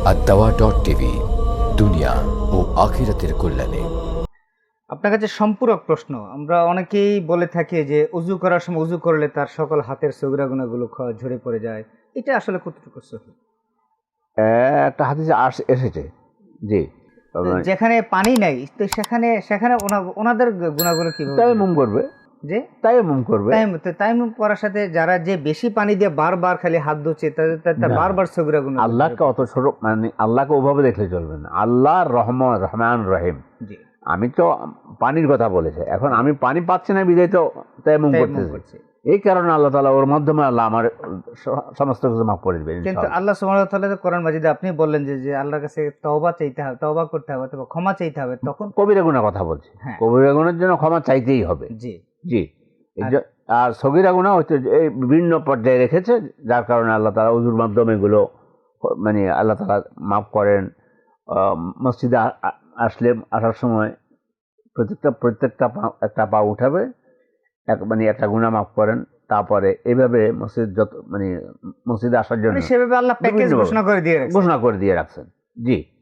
আদ-দাওয়া.টিভি, দুনিয়া ও আখিরাতের কল্যাণে। আপনার কাছে সম্পূরক প্রশ্ন। আমরা অনেকেই বলে থাকি যে অজু করার সময় অজু করলে তার সকল হাতের সগিরা গুনাহগুলো ঝরে পড়ে যায়। এটা আসলে কতটুকু সহি? একটা হাদিসে এসেছে। জি। যেখানে পানি নাই তো সেখানে সেখানে ওনাদের গুনাহগুলো কিভাবে ঝরে তায়াম্মুম পড়ে? করবে, যে তায়াম্মুম করবে। তায়াম্মুম করার সাথে যারা যে বেশি পানি দিয়ে বারবার খালি হাত ধুচ্ছে তার না, বারবার সগিরা গুনাহ আল্লাহকে অত ছোট মানে আল্লাহকে ওভাবে দেখলে চলবে না। আল্লাহ রহমান রহিম। জি আমি তো পানির কথা বলেছি, এখন আমি পানি পাচ্ছি না বিধায় তো তায়াম্মুম তায়াম্মুম করতেছি। করছে। এই কারণে আল্লাহ তাআলা ওর মাধ্যমে আল্লাহ আমার সমস্ত কিছু মাফ করে দিবেন কিন্তু ইনশাআল্লাহ। আল্লাহ সুবহানাহু ওয়া তাআলা কোরআন মাজিদে আপনি বললেন যে আল্লাহর কাছে তওবা চাইতে হবে, তওবা করতে হবে অথবা ক্ষমা চাইতে হবে তখন। কবিরা গুনাহ কথা বলছি। হ্যাঁ। কবিরা গুনাহের জন্য ক্ষমা চাইতেই হবে। জি জি। আর সগীরা গুনাহ হচ্ছে এই বিভিন্ন পর্যায়ে রেখেছে, যার কারণে আল্লাহ তাআলা ওযুর মাধ্যমে এগুলো মানে আল্লাহ তাআলা মাফ করেন। মসজিদে আসার সময় প্রত্যেকটা একটা পা উঠাবে, মানে একটা গুনাহ মাফ করেন। তারপরে এইভাবে মসজিদে আসার জন্য সেভাবে আল্লাহ প্যাকেজ বিভিন্নভাবে ঘোষণা করে দিয়ে রাখছে। ঘোষণা করে দিয়ে রাখছেন। জি।